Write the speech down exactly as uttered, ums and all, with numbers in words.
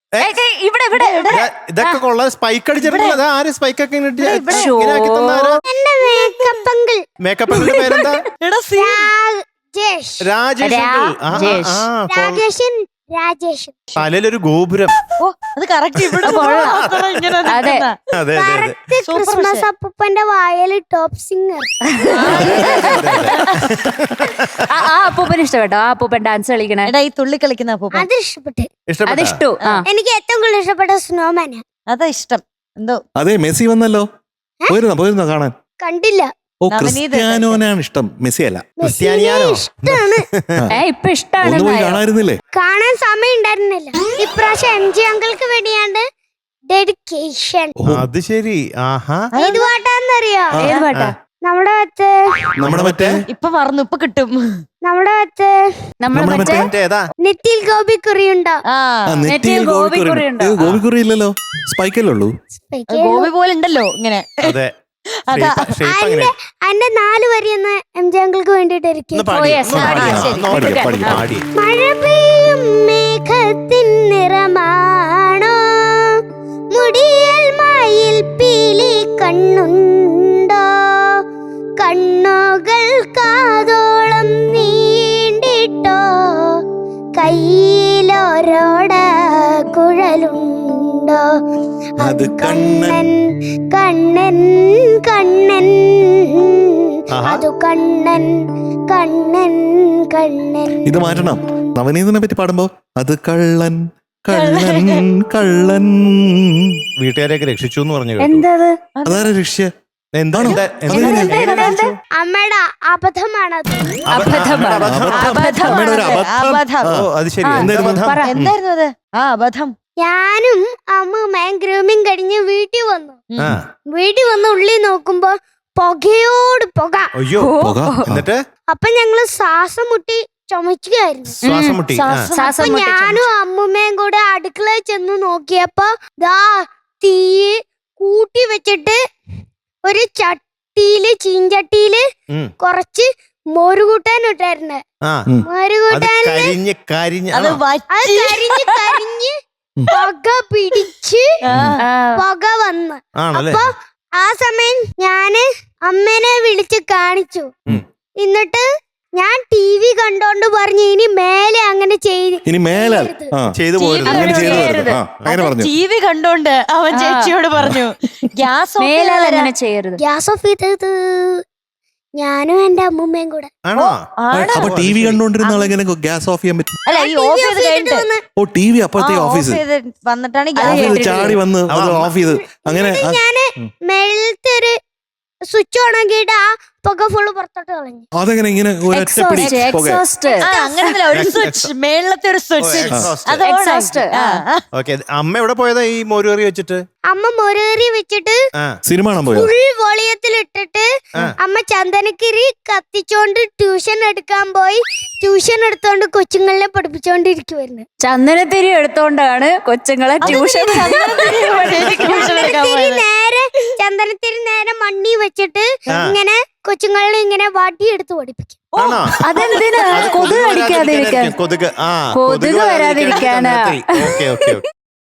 ഇവിടെ ഇവിടെ ഇതൊക്കെ കൊള്ള സ്പൈക്ക് അടിച്ചിട്ടുള്ളത് ആര് സ്പൈക്ക് ഒക്കെ മേക്കപ്പ് അങ്കിൾ പേരെന്താ? രാജേഷ്. രാജേഷ് തലയിലൊരു ഗോപുരം. ഓ അത് കറക്റ്റ് ഇവിടെ അതെ അതെ ക്രിസ്മസ് അപ്പൂപ്പന്റെ വായല് ടോപ്പ് സിംഗർ. ആ അപ്പൂപ്പൻ ഇഷ്ടപ്പെട്ടോ? ആ അപ്പൂപ്പൻ ഡാൻസ് കളിക്കണ ഈ തുള്ളി കളിക്കുന്ന അപ്പൂപ്പൻ അത് ഇഷ്ടപ്പെട്ടു. അത് ഇഷ്ടു. എനിക്ക് ഏറ്റവും കൂടുതൽ ഇഷ്ടപ്പെട്ട സ്നോമാനാ. അതാ ഇഷ്ടം. എന്തോ അതെ മെസ്സി വന്നല്ലോ. പോയിരുന്നോ പോയിരുന്നോ കാണാൻ? കണ്ടില്ല. ഓ ക്രിസ്ത്യാനോനാണ് ഇഷ്ടം, മെസ്സി അല്ല. ക്രിസ്ത്യാനിയാനോ? ഇഷ്ടാണ്. ഇപ്പൊ ഇഷ്ടാണ്. ഒന്ന് പോയി കാണായിരുന്നില്ലേ? കാണാൻ സമയം ഉണ്ടായിരുന്നില്ല. ഇപ്രാവശ്യം എം ജി അങ്കിൾക്ക് വേണ്ടിയാണ് ഡെഡിക്കേഷൻ. അത് ശരി. ആഹാ. ഏത് പാട്ടാന്നറിയോ? ഏത് പാട്ടാ? നമ്മുടെ അകത്ത് നമ്മുടെ മറ്റേ ഇപ്പൊ പറഞ്ഞു ഇപ്പൊ കിട്ടും. നമ്മുടെ അകത്ത് നമ്മൾ മറ്റേ ഏതാ? നെറ്റിയിൽ ഗോപിക്കുറിയുണ്ടോ? ആ നെറ്റിയിൽ ഗോപിക്കുറി ഉണ്ടോ? ഗോപിക്കുറി ഇല്ലല്ലോ, സ്പൈക്കല്ലേ ഉള്ളൂ. ഗോപി പോലെ ഉണ്ടല്ലോ ഇങ്ങനെ. അതെ. അതാ അതിന്റെ നാല് വരി ഒന്ന് എം ജി അങ്കിൾക്ക് വേണ്ടിട്ട് മഴ പെയ്യും മേഘത്തിൻ നിറമാണോ, മുടിയൽ മായിൽ പീലി കണ്ണുണ്ടോ, കണ്ണുകൾ കാതോളം നീണ്ടിട്ടോ, കയ്യിലോരോട കുഴലുണ്ടോ, അത് കണ്ണൻ കണ്ണൻ കണ്ണൻ അത് കണ്ണൻ കണ്ണൻ കണ്ണൻ. ഇത് മാറ്റണം. നവനീതിനെ പറ്റി പാടുമ്പോ അത് കള്ളൻ കള്ളൻ കള്ളൻ. വീട്ടുകാരെയൊക്കെ രക്ഷിച്ചു എന്ന് പറഞ്ഞു. എന്തത്? അതാരാ രക്ഷ്യ? എന്താണ് അമ്മയുടെ അബദ്ധമാണത്. അമ്മയുടെ ഒരു അബദ്ധം. അത് ശരി. എന്തായിരുന്നു അത്? ആ അബദ്ധം. ഞാനും അമ്മൂമ്മയും ഗ്രൂമിങ് കഴിഞ്ഞ് വീട്ടിൽ വന്നു. വീട്ടിൽ വന്ന് ഉള്ളി നോക്കുമ്പോ പുകയോട് പുക. അയ്യോ. എന്നിട്ട് അപ്പൊ ഞങ്ങള് ശ്വാസം മുട്ടി ചുമക്കുകയായിരുന്നു. ശ്വാസം മുട്ടി. അപ്പൊ ഞാനും അമ്മൂമ്മയും കൂടെ അടുക്കളയിൽ ചെന്ന് നോക്കിയപ്പോ ദാ തീ കൂട്ടി വെച്ചിട്ട് ഒരു ചട്ടിയില് ചീഞ്ചട്ടിയില് കൊറച്ച് മോരുകൂട്ടാൻ ഇട്ടായിരുന്നു. മോരുകൂട്ടാൻ കരിഞ്ഞ് കരിഞ്ഞ് അത് അത് കരിഞ്ഞ് കരിഞ്ഞ് പുക പിടിച്ച് പുക വന്ന്. അപ്പൊ ആ സമയം ഞാന് അമ്മേനെ വിളിച്ച് കാണിച്ചു. എന്നിട്ട് ഞാൻ ടി വി കണ്ടോണ്ട് പറഞ്ഞു ഇനി മേലെ അങ്ങനെ ഇനി മേലെ ചെയ്തു പോരുത്. ടി വി കണ്ടോണ്ട് അവൻ ചേച്ചിയോട് പറഞ്ഞു ഗ്യാസ് അങ്ങനെ ചെയ്യരുത്. ഗ്യാസ് ഓഫ് ചെയ്തത് ഞാനും എന്റെ അമ്മൂമ്മയും കൂടെ. അപ്പൊ ടി വി കണ്ടോണ്ടിരുന്ന ആളെങ്ങനെ ഗ്യാസ് ഓഫ് ചെയ്യാൻ പറ്റും? അല്ല ഈ ഓഫ് ചെയ്ത് കഴിഞ്ഞിട്ട് ഓ ടി വി അപ്പോഴത്തേക്ക് ഓഫീസ് വന്നിട്ടാണ് ചാടി വന്ന് ഓഫ് ചെയ്ത് അങ്ങനെ. ഞാന് മേളത്തെ ഒരു സ്വിച്ച് ഓൺ ആക്കിയിട്ട് ആ പുക ഫുള്ള് പുറത്തോട്ട് കളഞ്ഞു. അതെങ്ങനെ ഇങ്ങനെ ഒരൊറ്റപ്പിടി അങ്ങനെ ഒരു സ്വിച്ച് മേളത്തെ ഒരു സ്വിച്ച്. അമ്മ എവിടെ പോയതാ ഈ മോരുകറി വെച്ചിട്ട്? അമ്മ മോരുകറി വെച്ചിട്ട് സിനിമ കാണാൻ പോയോ? ഫുൾ വോളിയത്തിൽ ഇട്ടിട്ട് അമ്മ ചന്ദനക്കിരി കത്തിച്ചോണ്ട് ട്യൂഷൻ എടുക്കാൻ പോയി. ട്യൂഷൻ എടുത്തോണ്ട് കൊച്ചുങ്ങളെ പഠിപ്പിച്ചോണ്ടിരിക്കുവായിരുന്നു. ചന്ദനത്തിരി എടുത്തോണ്ടാണ് കൊച്ചുങ്ങളെ ട്യൂഷൻ നേരെ ചന്ദനത്തിരി നേരെ മണ്ണി വെച്ചിട്ട് ഇങ്ങനെ കൊച്ചുങ്ങളെ ഇങ്ങനെ വാട്ടിയെടുത്ത് പഠിപ്പിക്കും. അതെന്തിനാ? കൊതുക് അടിക്കാതിരിക്കാൻ. കൊതുക് കൊതുക് വരാതിരിക്കാനാ.